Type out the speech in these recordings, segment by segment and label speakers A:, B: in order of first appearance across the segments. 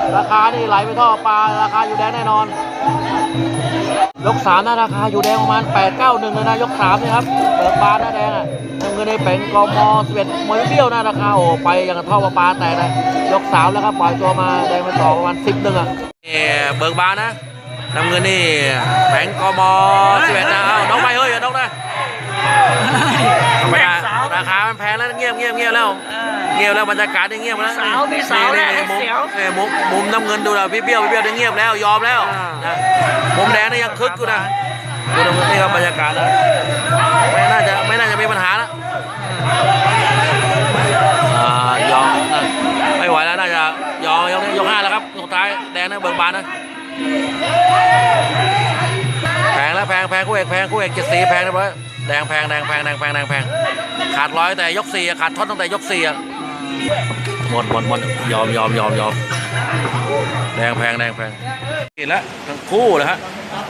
A: ราคานี่ไหลไปท่อปลาราคาอยู่แดงแน่นอนยก3นะราคาอยู่แดงประมาณ891เลยนะยก3นี่ครับเบิกบานนะแดงอ่ะน้ำเงินในเป็นกม11มวยเบี้ยวนะราคาโอ้ไปอย่างกับท่อปลาแตกนะยก3แล้วครับปล่อยตัวมาแดงไปต่อประมาณ10นึงอ่ะเบิกบานนะน้ำเงินนี่แผงกม11นะน้องไปเฮ้ยน้องนะราคามันแพงแล้วเงียบแล้วเงียบแล้วบรรยากาศได้เงียบแล้วมุมน้ำเงินดูนะพี่เบี้ยวได้เงียบแล้วยอมแล้วนะมุมแดงนี่ยังคึกอยู่นะดูน้ำเงินนี่ครับบรรยากาศนะไม่น่าจะมีปัญหาแล้วยอมไม่ไหวแล้วน่าจะยอมยก5แล้วครับยกท้ายแดงนะเบิกบานนะแพงแล้วแพงคู่เอก74แพงนะเพื่อนแดงแพงขาดร้อยแต่ยก4ขาดท่อนตั้งแต่ยก4หมดยอมแดงแพงกินแล้วทั้งคู่เลยฮะ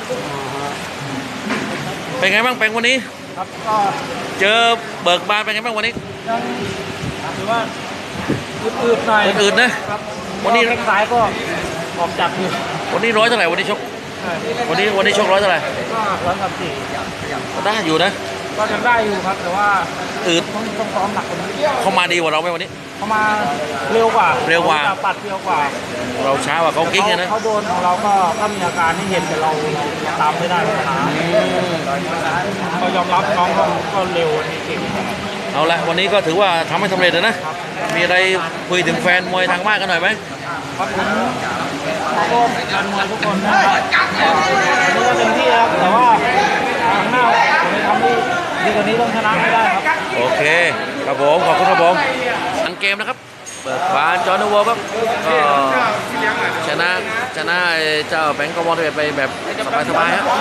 A: เป็นไงบ้างเป็นวันนี้ครับก็เจอเบิกบานเป็นไงบ้างวันนี้ถือว่าอืดหน่อยอืดนะวันนี้ซ้ายก็ออกจับอยู่วันนี้ร้อยเท่าไหร่วันนี้ชกวันนี้ชกร้อยเท่าไหร่ก็134ได้อยู่นะก็ยังได้อยู่ครับแต่ว่าอืดต้องซ้อมหนักกว่านี้เขามาดีกว่าเราไหมวันนี้เขามาเร็วกว่าปัดเร็วกว่าเราช้ากว่าเขากิ้งนะเขาโดนของเราก็มีอาการที่เห็นแต่เราตามไม่ได้ปัญหาก็ยอมรับน้องก็เร็วเก่งเอาละวันนี้ก็ถือว่าทำให้สำเร็จนะมีอะไรคุยถึงแฟนมวยทางบ้านกันหน่อยไหมครับผมขอบคุณแฟนมวยทุกคนนะครับวันนี้ก็เต็มที่ครับแต่ว่าครั้งหน้าผมจะทำให้ดีกว่านี้ต้องชนะให้ได้ครับโอเคครับผมขอบคุณครับผมอันเกมนะครับเปิดบานจอห์นวัวครับก็ชนะเจ้าแบงก์กมลไปแบบสบายๆครับ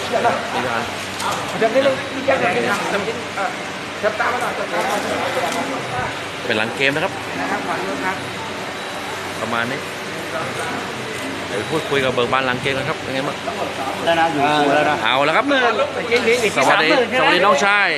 A: เป็นหลังเกมนะครับประมาณนี้เดี๋ยวพูดคุยกับเบิกบานหลังเกมกันครับเป็นไงบ้างแล้วนะอยู่แล้วนะเอาแล้วครับสวัสดีน้องชาย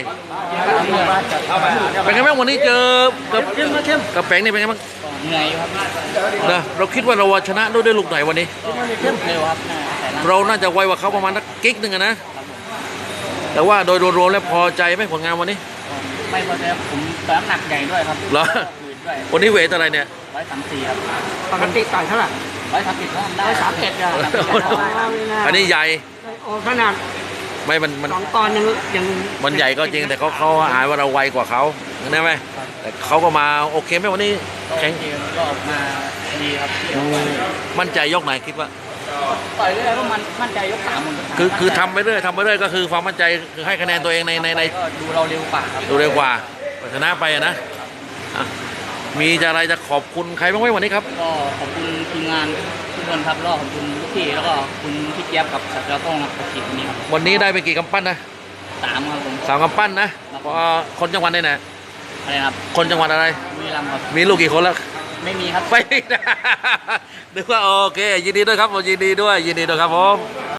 A: เป็นไงบ้างวันนี้เจอกับแปงนี่เป็นไงบ้างเหนื่อยครับนะเราคิดว่าเราชนะด้วยลูกไหนวันนี้เร็วครับเราน่าจะไวกว่าเขาประมาณกิ๊กนึงนะแต่ว่าโดยรวมแล้วพอใจไหมผลงานวันนี้ไม่พอใจผมแต่น้ำหนักใหญ่ด้วยครับเหรอวันนี้เวทอะไรเนี่ย134ครับปกติต่อยเท่าไหร่130ได้131อ่ะอันนี้ใหญ่โอ้ขนาดไม่มัน2 ตอนยังมันใหญ่ก็จริงแต่เขาหายว่าเราไวกว่าเขาใช่ไหมแต่เขาก็มาโอเคไหมวันนี้แข่งก็ออกมาดีครับมั่นใจยกไหนคิดว่าต่อยเรื่อยๆก็มั่นใจยก3คือทำไปเรื่อยก็คือความมั่นใจคือให้คะแนนตัวเองในดูเราเร็วกว่าครับดูเร็วกว่าชนะไปนะมีอะไรจะขอบคุณใครบ้างไหมวันนี้ครับก็ขอบคุณทีมงานทุกคนครับแล้วขอบคุณลูกพี่แล้วก็คุณพี่เจี๊ยบกับสัตว์เจ้าต้องกับทีมนี้ครับวันนี้ได้ไปกี่กำปั้นนะ3ครับผม3กำปั้นนะเพราะคนจังหวัดไหนนะอะไรครับคนจังหวัดอะไรบุรีรัมย์ครับมีลูกกี่คนแล้วไม่มีครับไม่นึกว่าโอเคยินดีด้วยครับยินดีด้วยครับผม